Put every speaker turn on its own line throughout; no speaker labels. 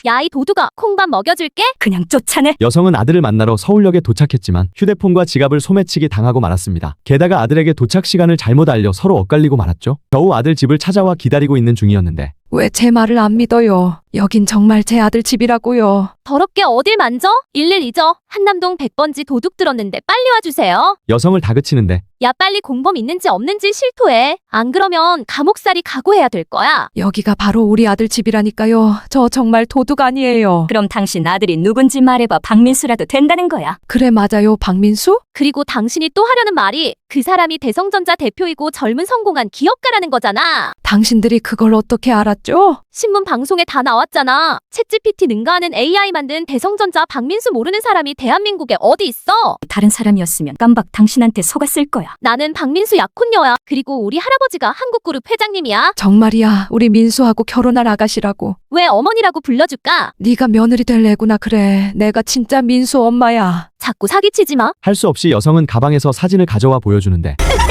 야, 이 도둑아, 콩밥 먹여줄게.
그냥 쫓아내.
여성은 아들을 만나러 서울역에 도착했지만 휴대폰과 지갑을 소매치기 당하고 말았습니다. 게다가 아들에게 도착 시간을 잘못 알려 서로 엇갈리고 말았죠. 겨우 아들 집을 찾아와 기다리고 있는 중이었는데
왜 제 말을 안 믿어요? 여긴 정말 제 아들 집이라고요.
더럽게 어딜 만져? 112죠. 한남동 100번지 도둑 들었는데 빨리 와주세요.
여성을 다그치는데
야, 빨리 공범 있는지 없는지 실토해. 안 그러면 감옥살이 각오해야 될 거야.
여기가 바로 우리 아들 집이라니까요. 저 정말 도둑 아니에요.
그럼 당신 아들이 누군지 말해봐. 박민수라도 된다는 거야.
그래 맞아요, 박민수?
그리고 당신이 또 하려는 말이 그 사람이 대성전자 대표이고 젊은 성공한 기업가라는 거잖아.
당신들이 그걸 어떻게 알았죠?
신문 방송에 다 나왔잖아. 챗GPT 능가하는 AI 만든 대성전자 박민수 모르는 사람이 대한민국에 어디 있어?
다른 사람이었으면 깜박 당신한테 속았을 거야.
나는 박민수 약혼녀야. 그리고 우리 할아버지가 한국그룹 회장님이야.
정말이야, 우리 민수하고 결혼할 아가씨라고.
왜 어머니라고 불러줄까?
네가 며느리 될 애구나. 그래, 내가 진짜 민수 엄마야.
자꾸 사기치지 마.
할 수 없이 여성은 가방에서 사진을 가져와 보여주는데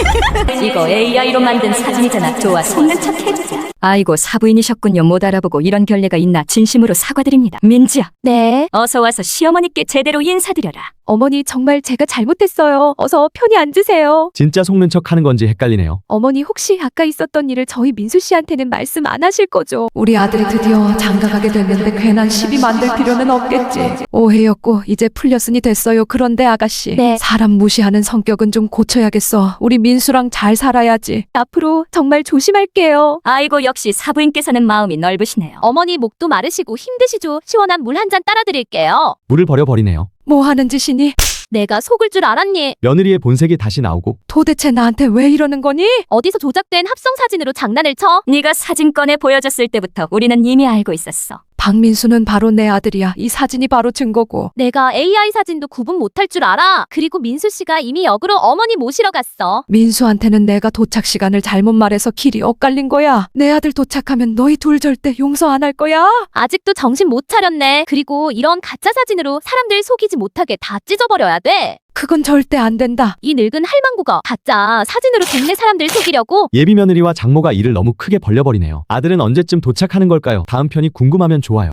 이거 AI로 만든 사진이잖아. 좋아, 속는 척 해주자. 아이고, 사부인이셨군요. 못 알아보고 이런 결례가 있나. 진심으로 사과드립니다. 민지야,
네.
어서 와서 시어머니께 제대로 인사드려라.
어머니 정말 제가 잘못했어요. 어서 편히 앉으세요.
진짜 속는 척 하는 건지 헷갈리네요.
어머니 혹시 아까 있었던 일을 저희 민수 씨한테는 말씀 안 하실 거죠?
우리 아들이 드디어 장가가게 됐는데 괜한 시비 만들 필요는 없겠지. 오해였고 이제 풀렸으니 됐어요. 그런데 아가씨,
네.
사람 무시하는 성격은 좀 고쳐야겠어. 우리 민수랑 잘 살아야지.
앞으로 정말 조심할게요.
아이고, 역시 사부인께서는 마음이 넓으시네요.
어머니 목도 마르시고 힘드시죠? 시원한 물 한 잔 따라 드릴게요.
물을 버려버리네요.
뭐 하는 짓이니?
내가 속을 줄 알았니?
며느리의 본색이 다시 나오고
도대체 나한테 왜 이러는 거니?
어디서 조작된 합성 사진으로 장난을 쳐?
네가 사진 꺼내 보여줬을 때부터 우리는 이미 알고 있었어.
박민수는 바로 내 아들이야. 이 사진이 바로 증거고.
내가 AI 사진도 구분 못할 줄 알아. 그리고 민수 씨가 이미 역으로 어머니 모시러 갔어.
민수한테는 내가 도착 시간을 잘못 말해서 길이 엇갈린 거야. 내 아들 도착하면 너희 둘 절대 용서 안 할 거야.
아직도 정신 못 차렸네. 그리고 이런 가짜 사진으로 사람들 속이지 못하게 다 찢어버려야 돼.
그건 절대 안 된다.
이 늙은 할망구가 가짜 사진으로 동네 사람들 속이려고?
예비 며느리와 장모가 일을 너무 크게 벌려버리네요. 아들은 언제쯤 도착하는 걸까요? 다음 편이 궁금하면 좋아요.